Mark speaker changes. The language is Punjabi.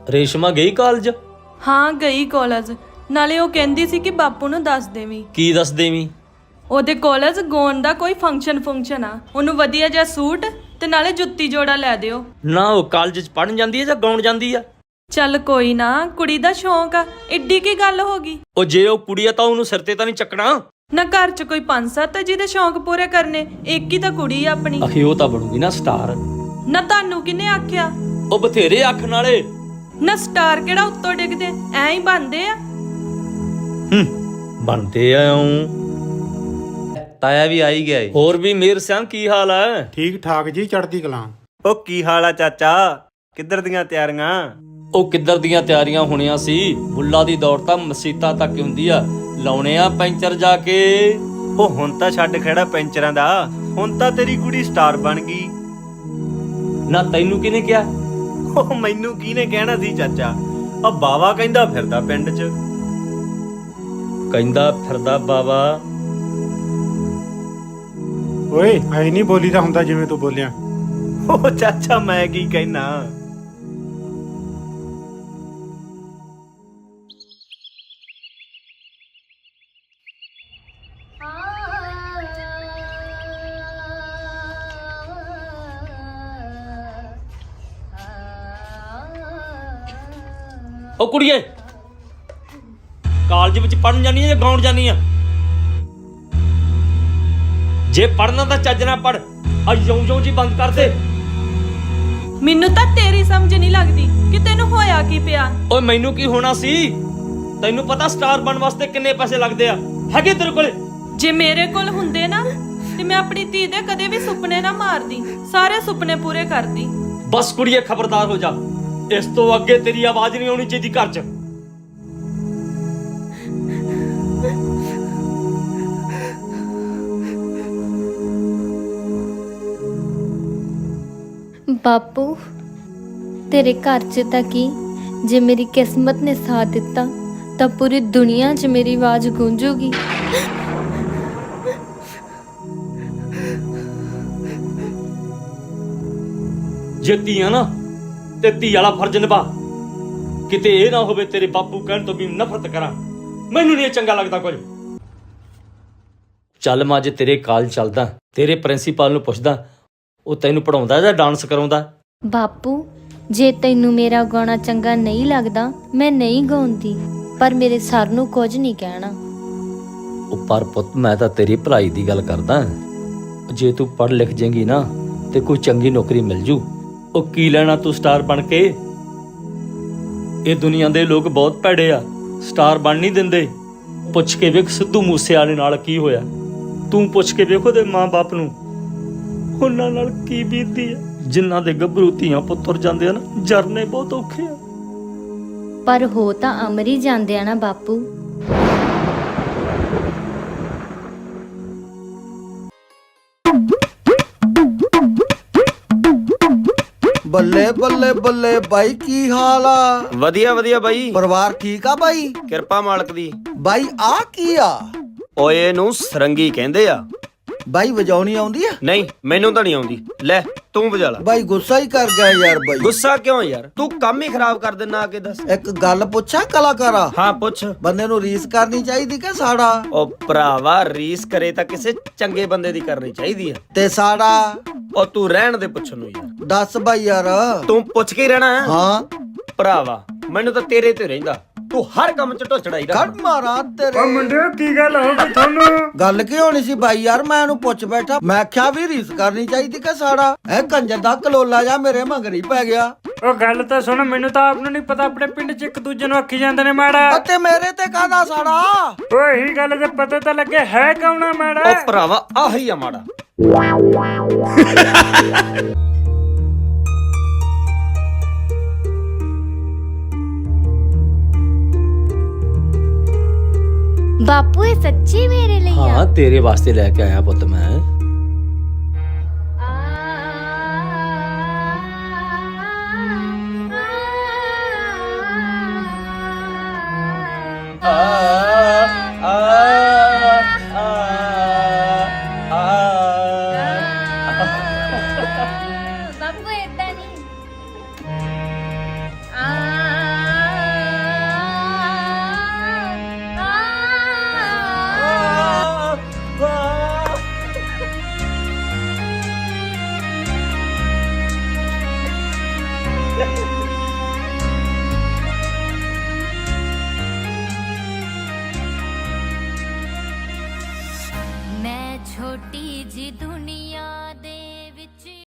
Speaker 1: ਰੇਸ਼ਮਾ ਗਈ ਕਾਲਜ?
Speaker 2: ਹਾਂ ਗਈ ਕਾਲਜ। ਨਾਲੇ ਉਹ ਕਹਿੰਦੀ ਸੀ ਕਿ ਬਾਪੂ ਨੂੰ ਦੱਸ ਦੇਵੀਂ।
Speaker 1: ਕੀ ਦੱਸ ਦੇਵੀਂ?
Speaker 2: ਉਹਦੇ ਕਾਲਜ ਗਾਉਣ ਦਾ ਕੋਈ ਫੰਕਸ਼ਨ ਆ, ਉਹਨੂੰ ਵਧੀਆ ਜਿਹਾ ਸੂਟ ਤੇ ਨਾਲੇ ਜੁੱਤੀ ਜੋੜਾ ਲੈ ਦਿਓ।
Speaker 1: ਨਾ ਉਹ ਕਾਲਜ ਚ ਪੜਨ ਜਾਂਦੀ ਹੈ ਜਾਂ ਗਾਉਣ ਜਾਂਦੀ ਆ?
Speaker 2: ਚੱਲ ਕੋਈ ਨਾ, ਕੁੜੀ ਦਾ ਸ਼ੌਂਕ ਆ, ਏਡੀ ਕੀ ਗੱਲ ਹੋ ਗਈ।
Speaker 1: ਉਹ ਜੇ ਉਹ ਕੁੜੀ ਆ ਤਾਂ ਉਹਨੂੰ ਸਿਰ ਤੇ ਤਾਂ ਨਹੀਂ ਚੱਕਣਾ?
Speaker 2: ਨਾ ਘਰ 'ਚ ਕੋਈ 5-7 ਜਿਹਦੇ ਸ਼ੌਂਕ ਪੂਰੇ ਕਰਨੇ, ਇੱਕ ਹੀ ਤਾਂ ਕੁੜੀ ਆ ਆਪਣੀ।
Speaker 1: ਆਖੇ ਉਹ ਤਾਂ ਬਣੂਗੀ ਨਾ ਸਟਾਰ।
Speaker 2: ਨਾ ਤੁਹਾਨੂੰ ਕਿਹਨੇ ਆਖਿਆ?
Speaker 1: ਉਹ ਬਥੇਰੇ ਆਖਣ ਵਾਲੇ।
Speaker 2: ਨਾ ਸਟਾਰ ਕਿਹੜਾ ਉੱਤੋਂ ਡਿੱਗਦੇ, ਐਂ ਹੀ ਬਣਦੇ ਆ।
Speaker 1: ਬਣਦੇ ਆ।
Speaker 3: ਤਾਇਆ ਵੀ ਆਈ ਗਿਆ ਏ।
Speaker 1: ਹੋਰ ਵੀ ਮੇਰ ਸਿਆਂ ਕੀ ਹਾਲ ਹੈ?
Speaker 4: ਠੀਕ ਠਾਕ ਜੀ, ਚੜ੍ਹਦੀ ਕਲਾਂ।
Speaker 3: ਉਹ ਕੀ ਹਾਲ ਆ ਚਾਚਾ? ਕਿੱਧਰ ਦੀਆਂ ਤਿਆਰੀਆਂ?
Speaker 1: ਉਹ ਕਿੱਧਰ ਦੀਆਂ ਤਿਆਰੀਆਂ ਹੋਣੀਆਂ ਸੀ, ਮੁੱਲਾ ਦੀ ਦੌੜ ਤਾਂ ਮਸੀਤਾਂ ਤੱਕ ਹੁੰਦੀ ਆ। ਲਾਉਣੇ ਆ ਪੈਂਚਰ ਜਾ ਕੇ।
Speaker 3: ਉਹ ਹੁਣ ਤਾਂ ਛੱਡ ਖੜਾ ਪੈਂਚਰਾਂ ਦਾ, ਹੁਣ ਤਾਂ ਤੇਰੀ ਕੁੜੀ ਸਟਾਰ ਬਣ ਗਈ।
Speaker 1: ਨਾ ਤੈਨੂੰ ਕਿਹਨੇ ਕਿਹਾ?
Speaker 3: ਉਹ ਮੈਨੂੰ ਕਿਹਨੇ ਕਹਿਣਾ ਸੀ ਚਾਚਾ? ਆ ਬਾਵਾ ਕਹਿੰਦਾ ਫਿਰਦਾ ਪਿੰਡ 'ਚ।
Speaker 1: ਕਹਿੰਦਾ ਫਿਰਦਾ ਬਾਵਾ?
Speaker 4: ਓਏ ਐ ਨਹੀਂ ਬੋਲੀਦਾ ਹੁੰਦਾ ਜਿਵੇਂ ਤੂੰ ਬੋਲਿਆ।
Speaker 3: ਉਹ ਚਾਚਾ ਮੈਂ ਕੀ ਕਹਿਣਾ।
Speaker 1: ਉਹ ਕੁੜੀਏ, ਕਾਲਜ ਵਿੱਚ ਪੜਨ ਜਾਨੀ ਆ ਜਾਂ ਗਾਉਣ ਜਾਨੀ ਆ? ਜੇ ਪੜਨਾ ਤਾਂ ਚੱਜ ਨਾਲ ਪੜ, ਆ ਯੋਂ ਜੀ ਬੰਦ ਕਰ ਦੇ।
Speaker 2: ਮੈਨੂੰ ਤਾਂ ਤੇਰੀ ਸਮਝ ਨਹੀਂ ਲੱਗਦੀ ਕਿ ਤੈਨੂੰ ਹੋਇਆ ਕੀ ਪਿਆ।
Speaker 1: ਓਏ ਮੈਨੂੰ ਕੀ ਹੋਣਾ ਸੀ? ਤੈਨੂੰ ਪਤਾ ਸਟਾਰ ਬਣਨ ਵਾਸਤੇ ਕਿੰਨੇ ਪੈਸੇ ਲੱਗਦੇ ਆ? ਹੈਗੇ ਤੇਰੇ ਕੋਲੇ?
Speaker 2: ਜੇ ਮੇਰੇ ਕੋਲ ਹੁੰਦੇ ਨਾ ਤੇ ਮੈਂ ਆਪਣੀ ਧੀ ਦੇ ਕਦੇ ਵੀ ਸੁਪਨੇ ਨਾ ਮਾਰਦੀ, ਸਾਰੇ ਸੁਪਨੇ ਪੂਰੇ ਕਰਦੀ।
Speaker 1: ਬਸ ਕੁੜੀਏ ਖਬਰਦਾਰ ਹੋ ਜਾ, ਇਸ ਤੋਂ ਅੱਗੇ ਤੇਰੀ ਆਵਾਜ਼ ਨਹੀਂ ਆਉਣੀ ਚਾਹੀਦੀ ਘਰ 'ਚ।
Speaker 5: ਬਾਪੂ, ਤੇਰੇ ਘਰ 'ਚ ਤਾਂ ਕੀ, ਜੇ ਮੇਰੀ ਕਿਸਮਤ ਨੇ ਸਾਥ ਦਿੱਤਾ ਤਾਂ ਪੂਰੀ ਦੁਨੀਆ 'ਚ ਮੇਰੀ ਆਵਾਜ਼ ਗੂੰਜੂਗੀ।
Speaker 1: ਜੇ ਧੀਆਂ ਨਾ ਤੇ ਧੀ ਵਾਲਾ ਫਰਜ਼ ਨਿਭਾ। ਕਿਤੇ ਇਹ ਨਾ ਹੋਵੇ ਤੇਰੇ ਬਾਪੂ ਕਹਿਣ ਤੋਂ ਵੀ ਨਫ਼ਰਤ ਕਰਾਂ। ਮੈਨੂੰ ਨਹੀਂ ਚੰਗਾ ਲੱਗਦਾ ਕੁਝ। ਚੱਲ ਮੈਂ ਅੱਜ ਤੇਰੇ ਕਾਲਜ ਚੱਲਦਾ, ਤੇਰੇ ਪ੍ਰਿੰਸੀਪਲ ਨੂੰ ਪੁੱਛਦਾ ਉਹ ਤੈਨੂੰ ਪੜਾਉਂਦਾ ਜਾਂ ਡਾਂਸ ਕਰਾਉਂਦਾ।
Speaker 5: ਬਾਪੂ, ਜੇ ਤੈਨੂੰ ਮੇਰਾ ਗਾਉਣਾ ਚੰਗਾ ਨਹੀਂ ਲੱਗਦਾ ਮੈਂ ਨਹੀਂ ਗਾਉਂਦੀ, ਪਰ ਮੇਰੇ ਸਰ ਨੂੰ ਕੁਝ ਨਹੀਂ ਕਹਿਣਾ।
Speaker 1: ਉਹ ਪਰ ਪੁੱਤ, ਮੈਂ ਤਾਂ ਤੇਰੀ ਭਲਾਈ ਦੀ ਗੱਲ ਕਰਦਾ। ਜੇ ਤੂੰ ਪੜ੍ਹ ਲਿਖ ਜਾਏਂਗੀ ਨਾ ਤੇ ਕੋਈ ਚੰਗੀ ਨੌਕਰੀ ਮਿਲ ਜੂ। ਉਹ ਕੀ ਲੈਣਾ ਤੂੰ ਸਟਾਰ ਬਣ ਕੇ? ਇਹ ਦੁਨੀਆ ਦੇ ਲੋਕ ਬਹੁਤ ਭੈੜੇ ਆ, ਸਟਾਰ ਬਣ ਨਹੀਂ ਦਿੰਦੇ। ਪੁੱਛ ਕੇ ਵੇਖ ਸਿੱਧੂ ਮੂਸੇਵਾਲੇ ਨਾਲ ਕੀ ਹੋਇਆ। ਤੂੰ ਪੁੱਛ ਕੇ ਵੇਖ ਉਹਦੇ ਮਾਂ-ਬਾਪ ਨੂੰ, ਉਹਨਾਂ ਨਾਲ ਕੀ ਬੀਤਦੀ ਆ। ਜਿਨ੍ਹਾਂ ਦੇ ਗੱਭਰੂ ਧੀਆਂ ਪੁੱਤਰ ਜਾਂਦੇ ਆ ਨਾ, ਜਰਨੇ ਬਹੁਤ ਔਖੇ ਆ।
Speaker 5: ਪਰ ਹੋ ਤਾਂ ਅਮਰ ਹੀ ਜਾਂਦੇ ਆ ਨਾ ਬਾਪੂ।
Speaker 6: ਬੱਲੇ ਬੱਲੇ ਬੱਲੇ ਬਾਈ, ਕੀ ਹਾਲ ਆ?
Speaker 3: ਵਧੀਆ ਵਧੀਆ ਬਾਈ,
Speaker 6: ਪਰਿਵਾਰ ਠੀਕ ਆ ਬਾਈ?
Speaker 3: ਕਿਰਪਾ ਮਾਲਕ ਦੀ।
Speaker 6: ਬਾਈ ਆ ਕੀ ਆ?
Speaker 3: ਓਏ ਇਹਨੂੰ ਸਰੰਗੀ ਕਹਿੰਦੇ ਆ।
Speaker 6: ਬਾਈ ਵਜਾਉਣੀ ਆਉਂਦੀ ਆ?
Speaker 3: ਨਹੀਂ ਮੈਨੂੰ ਤਾਂ ਨਹੀਂ ਆਉਂਦੀ। ਲੈ ਤੂੰ ਵਜਾ ਲੈ।
Speaker 6: ਬਾਈ ਗੁੱਸਾ ਹੀ ਕਰ ਗਿਆ ਯਾਰ। ਬਾਈ
Speaker 3: ਗੁੱਸਾ ਕਿਉਂ ਯਾਰ? ਤੂੰ ਕੰਮ ਹੀ ਖਰਾਬ ਕਰ ਦਿੰਨਾ ਆ ਕੇ। ਦੱਸ।
Speaker 6: ਇੱਕ ਗੱਲ ਪੁੱਛਾਂ ਕਲਾਕਾਰਾ?
Speaker 3: ਹਾਂ ਪੁੱਛ।
Speaker 6: ਬੰਦੇ ਨੂੰ ਰੀਸ ਕਰਨੀ ਚਾਹੀਦੀ ਕਿ ਸਾੜਾ?
Speaker 3: ਉਹ ਭਰਾਵਾ, ਰੀਸ ਕਰੇ ਤਾਂ ਕਿਸੇ ਚੰਗੇ ਬੰਦੇ ਦੀ ਕਰਨੀ ਚਾਹੀਦੀ ਆ।
Speaker 6: ਤੇ ਸਾੜਾ?
Speaker 3: ਉਹ ਤੂੰ ਰਹਿਣ ਦੇ ਪੁੱਛਣ ਨੂੰ ਯਾਰ।
Speaker 6: ਦੱਸ ਬਾਈ ਯਾਰ।
Speaker 3: ਤੂੰ ਪੁੱਛ ਕੇ ਹੀ ਰਹਿਣਾ।
Speaker 6: ਹਾਂ
Speaker 3: ਭਰਾਵਾ, ਮੈਨੂੰ ਤਾਂ ਤੇਰੇ ਤੇ ਰਹਿੰਦਾ। ਤੂੰ ਹਰ ਕੰਮ 'ਚ ਢੋਚੜਾਈ ਰੱਖ।
Speaker 6: ਖੜ ਮਾਰਾ ਤੇਰੇ।
Speaker 4: ਓ ਮੁੰਡਿਓ, ਕੀ ਗੱਲ ਹੋ ਗਈ ਤੁਹਾਨੂੰ?
Speaker 6: ਗੱਲ ਕੀ ਹੋਣੀ ਸੀ ਬਾਈ ਯਾਰ? ਮੈਂ ਇਹਨੂੰ ਪੁੱਛ ਬੈਠਾ, ਮੈਂ ਆਖਿਆ ਵੀ ਰੀਸ ਕਰਨੀ ਚਾਹੀਦੀ ਕਿ ਸਾੜਾ? ਇਹ ਕੰਜਰ ਦਾ ਕਲੋਲਾ ਜਾ ਮੇਰੇ ਮਗਰੀ ਪੈ ਗਿਆ।
Speaker 4: ਉਹ ਗੱਲ ਤਾਂ ਸੁਣ, ਮੈਨੂੰ ਤਾਂ ਆਪ ਨੂੰ ਨਹੀਂ ਪਤਾ, ਆਪਣੇ ਪਿੰਡ 'ਚ ਇੱਕ ਦੂਜੇ ਨੂੰ ਆਖੀ ਜਾਂਦੇ ਨੇ ਮਾੜਾ।
Speaker 6: ਅਤੇ ਮੇਰੇ ਤੇ ਕਾਹਦਾ ਸਾੜਾ?
Speaker 4: ਓਏ ਇਹੀ ਗੱਲ ਤੇ ਪਤਾ ਤਾਂ ਲੱਗੇ ਹੈ ਕੌਣ ਆ ਮਾੜਾ।
Speaker 3: ਉਹ ਭਰਾਵਾ, ਆਹੀ ਆ ਮਾੜਾ।
Speaker 5: ਬਾਪੂ, ਇਹ ਸੱਚੀ ਮੇਰੇ ਲਈ ਆ?
Speaker 1: ਹਾਂ, ਤੇਰੇ ਵਾਸਤੇ ਲੈ ਕੇ ਆਇਆ ਪੁੱਤ ਮੈਂ।
Speaker 5: ਬਾਪੂ ਏਦਾਂ ਨਹੀਂ। ਜੀ ਦੁਨੀਆ